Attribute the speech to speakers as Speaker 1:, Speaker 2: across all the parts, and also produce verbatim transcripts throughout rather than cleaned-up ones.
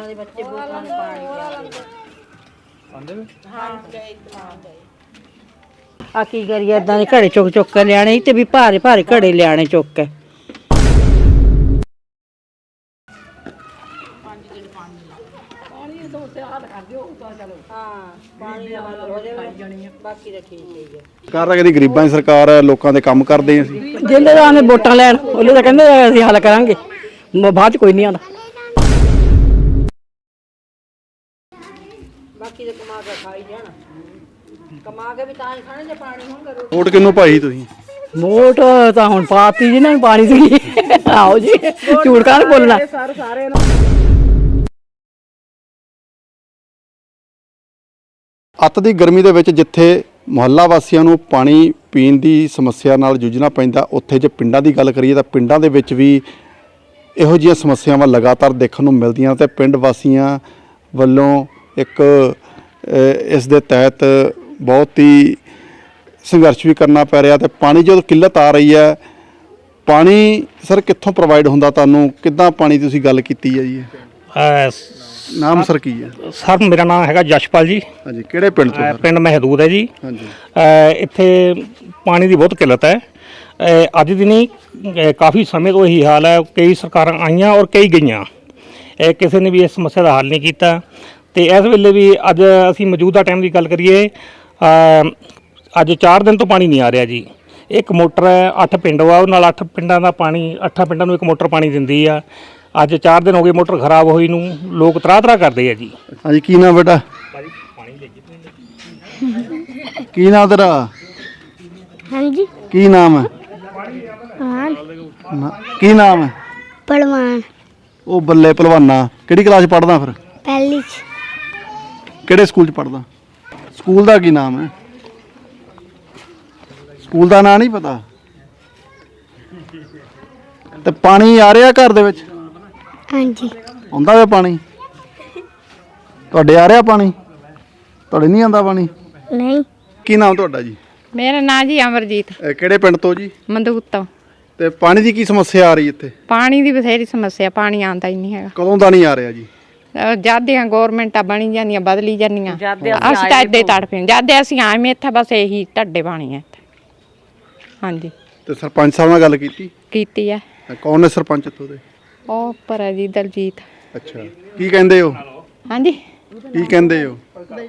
Speaker 1: ਦੇ ਬੱਚੇ ਬੋਤਲਾਂ ਨੂੰ ਪਾਣੀ ਪਿਆ
Speaker 2: ਆਂਦੇ ਵੇ
Speaker 1: ਹਾਂ ਆ ਕੀ ਕਰੀਏ ਇਦਾਂ ਦੇ ਘੜੇ ਚੁੱਕ ਚੁੱਕ ਕੇ ਲਿਆਣੇ ਤੇ ਵੀ ਭਾਰੇ ਭਾਰੇ ਘੜੇ ਲਿਆਣੇ ਚੁੱਕ ਕੇ
Speaker 2: ਸਰਕਾਰ ਕਹਿੰਦੀ ਗਰੀਬਾਂ ਦੀ ਸਰਕਾਰ ਹੈ, ਲੋਕਾਂ ਦੇ ਕੰਮ ਕਰਦੇ ਅਸੀਂ
Speaker 3: ਜਿੰਦੇ ਦਾ ਨੇ ਵੋਟਾਂ ਲੈਣ ਉਹਲੇ ਤਾਂ ਕਹਿੰਦੇ ਅਸੀਂ ਹੱਲ ਕਰਾਂਗੇ ਬਾਅਦ ਚ ਕੋਈ ਨਹੀਂ ਆਉਂਦਾ
Speaker 1: ਬਾਕੀ ਤੇ ਕਮਾ ਕੇ ਖਾਈ ਜਾਣ ਕਮਾ ਕੇ ਵੀ ਤਾਂ ਹੀ ਖਾਣੇ ਜੇ ਪਾਣੀ ਹੋਊਗਾ
Speaker 2: ਵੋਟ ਕਿਹਨੂੰ ਪਾਈ ਤੁਸੀਂ?
Speaker 3: ਵੋਟ ਤਾਂ ਹੁਣ ਪਾਤੀ ਜਿਹਨਾਂ ਨੂੰ ਪਾਣੀ ਸੀ ਆਓ ਜੀ ਝੂਠ ਕਾਹਨ ਬੋਲਣਾ
Speaker 2: ਅੱਤ ਦੀ ਗਰਮੀ ਦੇ ਵਿੱਚ ਜਿੱਥੇ ਮੁਹੱਲਾ ਵਾਸੀਆਂ ਨੂੰ ਪਾਣੀ ਪੀਣ ਦੀ ਸਮੱਸਿਆ ਨਾਲ ਜੂਝਣਾ ਪੈਂਦਾ, ਉੱਥੇ ਜੇ ਪਿੰਡਾਂ ਦੀ ਗੱਲ ਕਰੀਏ ਤਾਂ ਪਿੰਡਾਂ ਦੇ ਵਿੱਚ ਵੀ ਇਹੋ ਜਿਹੀਆਂ ਸਮੱਸਿਆਵਾਂ ਲਗਾਤਾਰ ਦੇਖਣ ਨੂੰ ਮਿਲਦੀਆਂ ਤੇ ਪਿੰਡ ਵਾਸੀਆਂ ਵੱਲੋਂ ਇੱਕ ਇਸ ਦੇ ਤਹਿਤ ਬਹੁਤ ਹੀ ਸੰਘਰਸ਼ ਵੀ ਕਰਨਾ ਪੈ ਰਿਹਾ ਤੇ ਪਾਣੀ ਜਦੋਂ ਕਿੱਲਤ ਆ ਰਹੀ ਹੈ, ਪਾਣੀ ਸਰ ਕਿੱਥੋਂ ਪ੍ਰੋਵਾਈਡ ਹੁੰਦਾ ਤੁਹਾਨੂੰ? ਕਿੱਦਾਂ ਪਾਣੀ ਤੁਸੀਂ ਗੱਲ ਕੀਤੀ ਹੈ ਜੀ? ਨਾਮ ਸਰ ਕੀ ਹੈ?
Speaker 4: ਸਰ ਮੇਰਾ ਨਾਮ ਹੈਗਾ ਜਸ਼ਪਾਲ ਜੀ।
Speaker 2: ਹਾਂਜੀ, ਕਿਹੜੇ ਪਿੰਡ ਤੋਂ?
Speaker 4: ਪਿੰਡ ਮਹਿਦੂਦ ਹੈ ਜੀ।
Speaker 2: ਹਾਂਜੀ,
Speaker 4: ਇੱਥੇ ਪਾਣੀ ਦੀ ਬਹੁਤ ਕਿੱਲਤ ਹੈ। ਅੱਜ ਦੀ ਨਹੀਂ ਕਾਫੀ ਸਮੇਂ ਤੋਂ ਇਹੀ ਹਾਲ ਹੈ। ਕਈ ਸਰਕਾਰਾਂ ਆਈਆਂ ਔਰ ਕਈ ਗਈਆਂ, ਕਿਸੇ ਨੇ ਵੀ ਇਸ ਸਮੱਸਿਆ ਦਾ ਹੱਲ ਨਹੀਂ ਕੀਤਾ। ਤੇ ਇਸ ਵੇਲੇ ਵੀ ਅੱਜ ਅਸੀਂ ਮੌਜੂਦਾ ਟਾਈਮ ਦੀ ਗੱਲ ਕਰੀਏ, ਅੱਜ ਚਾਰ ਦਿਨ ਤੋਂ ਪਾਣੀ ਨਹੀਂ ਆ ਰਿਹਾ ਜੀ। ਇੱਕ ਮੋਟਰ ਹੈ, ਅੱਠ ਪਿੰਡ ਵਾ, ਉਹ ਨਾਲ ਅੱਠ ਪਿੰਡਾਂ ਦਾ ਪਾਣੀ, ਅੱਠਾਂ ਪਿੰਡਾਂ ਨੂੰ ਇੱਕ ਮੋਟਰ ਪਾਣੀ ਦਿੰਦੀ ਆ। ਅੱਜ ਚਾਰ ਦਿਨ ਹੋ ਗਏ ਮੋਟਰ ਖਰਾਬ ਹੋਈ ਨੂੰ, ਲੋਕ ਤਰਾਹ ਤਰਾਹ ਕਰਦੇ ਆ ਜੀ।
Speaker 2: ਹਾਂਜੀ, ਕੀ ਨਾਮ ਬੇਟਾ? ਕੀ ਨਾਮ ਤੇਰਾ?
Speaker 5: ਹਾਂਜੀ,
Speaker 2: ਕੀ ਨਾਮ ਹੈ?
Speaker 5: ਹਾਂ
Speaker 2: ਨਾ- ਕੀ ਨਾਮ ਹੈ?
Speaker 5: ਪਲਵਾਨ
Speaker 2: ਉਹ ਬੱਲੇ ਭਲਵਾਨਾ। ਕਿਹੜੀ ਕਲਾਸ ਪੜ੍ਹਦਾ ਫਿਰ?
Speaker 5: ਪਹਿਲੀ ਚ
Speaker 2: ਕਿਹੜੇ ਸਕੂਲ 'ਚ ਪੜ੍ਹਦਾ? ਸਕੂਲ ਦਾ ਕੀ ਨਾਮ ਹੈ? ਸਕੂਲ ਦਾ ਨਾਂ ਨਹੀਂ ਪਤਾ? ਤੇ ਪਾਣੀ ਆ ਰਿਹਾ ਘਰ ਦੇ ਵਿੱਚ?
Speaker 5: ਹਾਂਜੀ,
Speaker 2: ਆਉਂਦਾ ਵੇ ਪਾਣੀ? ਤੁਹਾਡੇ ਆ ਰਿਹਾ ਪਾਣੀ? ਤੁਹਾਡੇ ਨਹੀਂ ਆਉਂਦਾ ਪਾਣੀ?
Speaker 5: ਨਹੀਂ।
Speaker 2: ਕੀ ਨਾਮ ਤੁਹਾਡਾ ਜੀ?
Speaker 6: ਮੇਰਾ ਨਾਂ ਜੀ ਅਮਰਜੀਤ,
Speaker 2: ਇਹ ਕਿਹੜੇ ਪਿੰਡ ਤੋਂ ਜੀ?
Speaker 6: ਮੰਦੂਤ ਤੋਂ।
Speaker 2: ਤੇ ਪਾਣੀ ਦੀ ਕੀ ਸਮੱਸਿਆ ਆ ਰਹੀ ਇੱਥੇ?
Speaker 6: ਪਾਣੀ ਦੀ ਬਥੇਰੀ ਸਮੱਸਿਆ, ਪਾਣੀ ਆਉਂਦਾ ਹੀ ਨਹੀਂ ਹੈਗਾ।
Speaker 2: ਕਦੋਂ ਦਾ ਨਹੀਂ ਆ ਰਿਹਾ ਜੀ?
Speaker 6: ਜਾਦਿਆਂ ਗੌਰਮੈਂਟਾਂ ਬਣੀ ਜਾਂਦੀਆਂ, ਬਦਲੀ ਜਾਂਦੀਆਂ, ਅਸੀਂ ਤਾਂ ਇੱਦਾਂ ਹੀ ਤੜਫੇ। ਜਦ ਅਸੀਂ ਆਏ ਇੱਥੇ ਬਸ ਇਹੀ ਢੱਡੇ ਪਾਣੀ ਹੈ ਇੱਥੇ। ਹਾਂਜੀ,
Speaker 2: ਤੇ ਸਰਪੰਚ ਸਾਹਿਬ ਨਾਲ ਗੱਲ ਕੀਤੀ?
Speaker 6: ਕੀਤੀ ਹੈ।
Speaker 2: ਕੌਣ ਨੇ ਸਰਪੰਚ ਇੱਥੋਂ ਦੇ?
Speaker 6: ਉਹ ਉੱਪਰ ਹੈ ਜੀ ਦਲਜੀਤ।
Speaker 2: ਅੱਛਾ, ਕੀ ਕਹਿੰਦੇ ਹੋ?
Speaker 6: ਹਾਂਜੀ,
Speaker 2: ਕੀ ਕਹਿੰਦੇ ਹੋ?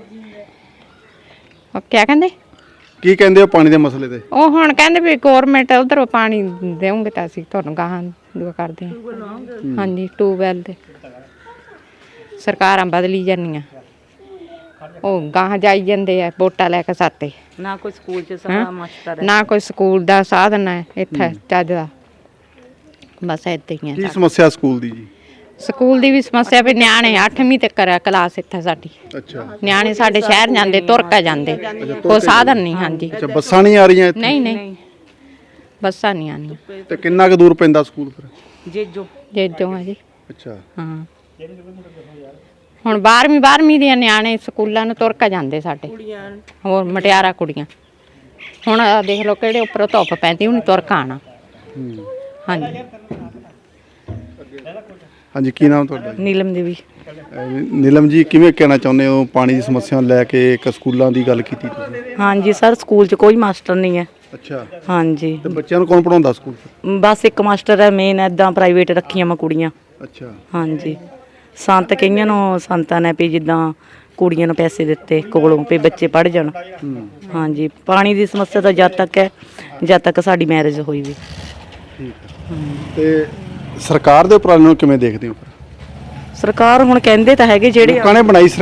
Speaker 6: ਉਹ ਕਿਆ ਕਹਿੰਦੇ?
Speaker 2: ਕੀ ਕਹਿੰਦੇ ਹੋ ਪਾਣੀ ਦੇ ਮਸਲੇ ਤੇ?
Speaker 6: ਉਹ ਹੁਣ ਕਹਿੰਦੇ ਵੀ ਗੌਰਮੈਂਟ ਉਧਰੋਂ ਪਾਣੀ ਦੇਉਂਗੇ ਤਾਂ ਅਸੀਂ ਤੁਹਾਨੂੰ ਗਾਹਾਂ ਦੁਆ ਕਰਦੇ ਹਾਂ। ਹਾਂਜੀ, ਟੂਬਵੈਲ ਦੇ ਸਰਕਾਰਾਂ ਬਦਲੀ ਜਾਂਦੀਆਂ, ਉਹ ਗਾਹਾਂ ਜਾਈ ਜਾਂਦੇ ਆ ਵੋਟਾਂ ਲੈ ਕੇ ਸਾਤੇ।
Speaker 1: ਨਾ ਕੋਈ ਸਕੂਲ ਚ ਸਫਾ ਮਾਸਟਰ
Speaker 6: ਨਾ ਕੋਈ ਸਕੂਲ ਦਾ ਸਾਧਨ ਹੈ ਇੱਥੇ ਚੱਜ ਦਾ, ਬਸ ਏਦਾਂ ਹੀ
Speaker 2: ਕੀ
Speaker 6: ਹੈ।
Speaker 2: ਸਮੱਸਿਆ ਸਕੂਲ ਦੀ ਜੀ?
Speaker 6: ਸਕੂਲ ਦੀ ਵੀ ਸਮੱਸਿਆ ਵੀ ਨਿਆਣੇ ਅੱਠਵੀਂ ਤੱਕ ਆ ਕਲਾਸ ਇੱਥੇ ਸਾਡੀ।
Speaker 2: ਅੱਛਾ,
Speaker 6: ਨਿਆਣੇ ਸਾਡੇ ਸ਼ਹਿਰ ਜਾਂਦੇ, ਤੁਰ ਕੇ ਜਾਂਦੇ, ਕੋਈ ਸਾਧਨ ਨਹੀਂ। ਹਾਂਜੀ,
Speaker 2: ਅੱਛਾ, ਬੱਸਾਂ ਨਹੀਂ ਆ ਰਹੀਆਂ ਇੱਥੇ?
Speaker 6: ਨਹੀਂ ਨਹੀਂ ਬੱਸਾਂ ਨਹੀਂ ਆਉਂਦੀਆਂ।
Speaker 2: ਤੇ ਕਿੰਨਾ ਕੁ ਦੂਰ ਪੈਂਦਾ ਸਕੂਲ ਫਿਰ?
Speaker 1: ਜੇਜੋ
Speaker 6: ਜੇਜੋਂ ਆ ਜੀ।
Speaker 2: ਅੱਛਾ,
Speaker 6: ਹਾਂ, ਹੁਣ ਬਾਰਵੀਂ ਬਾਰਵੀਂ ਦੇ ਨਿਆਣੇ ਸਕੂਲਾਂ ਨੂੰ ਤੁਰ ਕੇ ਜਾਂਦੇ ਸਾਡੇ, ਹੋਰ ਮਟਿਆਰਾ ਕੁੜੀਆਂ। ਹੁਣ ਆਹ ਦੇਖ ਲਓ ਕਿਹੜੇ ਉੱਪਰੋਂ ਧੁੱਪ ਪੈਂਦੀ, ਉਹਨੇ ਤੁਰ ਕੇ ਆਉਣਾ। ਹਾਂਜੀ,
Speaker 2: ਹਾਂਜੀ, ਕੀ ਨਾਮ ਤੁਹਾਡਾ ਜੀ?
Speaker 1: ਨੀਲਮ ਦੇਵੀ।
Speaker 2: ਅਹ ਨੀਲਮ ਜੀ, ਕਿਵੇਂ ਕਹਿਣਾ ਚਾਹੁੰਦੇ ਹੋ ਪਾਣੀ ਦੀ ਸਮੱਸਿਆ ਨੂੰ ਲੈ ਕੇ? ਇੱਕ ਸਕੂਲਾਂ ਦੀ ਗੱਲ ਕੀਤੀ ਤੁਸੀਂ।
Speaker 1: ਹਾਂਜੀ ਸਰ, ਸਕੂਲ ਚ ਕੋਈ ਮਾਸਟਰ ਨਹੀਂ ਹੈ।
Speaker 2: ਅੱਛਾ,
Speaker 1: ਹਾਂਜੀ,
Speaker 2: ਤੇ ਬੱਚਿਆਂ ਨੂੰ ਕੌਣ ਪੜਾਉਂਦਾ ਸਕੂਲ?
Speaker 1: ਬਸ ਇੱਕ ਮਾਸਟਰ ਹੈ ਮੇਨ, ਐਦਾਂ ਪ੍ਰਾਈਵੇਟ ਰੱਖੀਆਂ ਮੈਂ ਕੁੜੀਆਂ।
Speaker 2: ਅੱਛਾ,
Speaker 1: ਹਾਂਜੀ, ਸੰਤ ਕਈਆਂ ਨੂੰ ਸੰਤਾਂ ਨੇ ਵੀ ਜਿੱਦਾਂ ਕੁੜੀਆਂ ਨੂੰ ਪੈਸੇ ਦਿੱਤੇ ਕੋਲੋਂ ਵੀ ਬੱਚੇ ਪੜ੍ਹ ਜਾਣ। ਹਾਂਜੀ, ਪਾਣੀ ਦੀ ਸਮੱਸਿਆ ਤਾਂ ਜਦ ਤੱਕ ਹੈ ਜਦ ਤੱਕ ਸਾਡੀ ਮੈਰਿਜ ਹੋਈ ਵੀ।
Speaker 2: ਠੀਕ ਹੈ। ਤੇ ਸਰਕਾਰ ਦੇ ਉਪਰਾਲੇ ਨੂੰ ਕਿਵੇਂ ਦੇਖਦੇ ਹੋ?
Speaker 1: ਸਰਕਾਰ ਹੁਣ ਕਹਿੰਦੇ ਤਾਂ ਹੈਗੇ ਜਿਹੜੇ
Speaker 2: ਲੋਕਾਂ ਨੇ ਬਣਾਈ